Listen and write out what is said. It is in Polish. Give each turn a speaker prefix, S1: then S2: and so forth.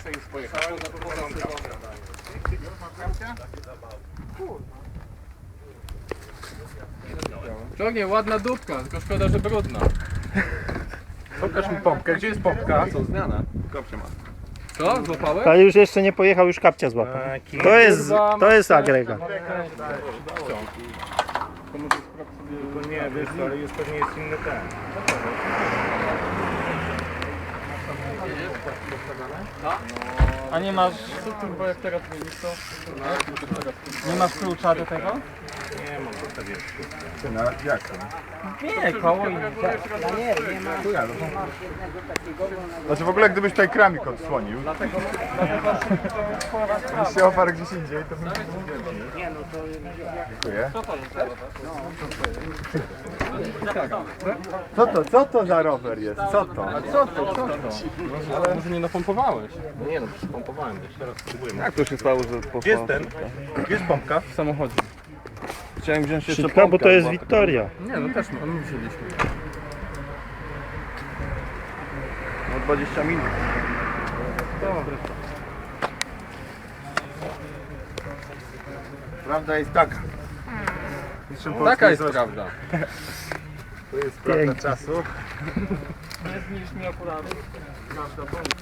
S1: jeszcze już pojechałem. Ciągnie, ładna dupka, tylko szkoda, że brudna. Pokaż mi pompkę, gdzie jest pompka?
S2: Co, zmiana? Kopcie ma.
S1: Co? Złapałeś?
S3: Ale już jeszcze nie pojechał, już kapcia złapał. To jest agregat.
S1: To może sprawdź sobie...
S2: Nie, wiesz, ale jest pewnie jest inny ten.
S4: A nie masz,
S1: Co kurwa, jak teraz zmienisz to?
S4: nie masz klucza do tego?
S2: Nie mam, to tak jest. Ty, no, jak to?
S4: Nie, koło i...
S2: Znaczy w ogóle gdybyś tutaj kramik odsłonił, gdybyś się oparł gdzieś indziej, to bym nie no to... Dziękuję. Co to za rower jest? Co to?
S1: Co to? Ale może nie napompowałeś?
S2: Nie no, pompowałem, jeszcze raz spróbujemy. Jak to się stało, że poszło? Gdzie jest ten? Gdzie jest pompka?
S1: W samochodzie.
S2: Chciałem wziąć jeszcze
S3: Szybka, bo to jest Wiktoria.
S1: Nie, no też my wzięliśmy.
S2: No 20 minut. Prawda jest taka.
S1: Taka jest prawda.
S2: To jest prawda czasu.
S4: Nie zniszcz mi okulary.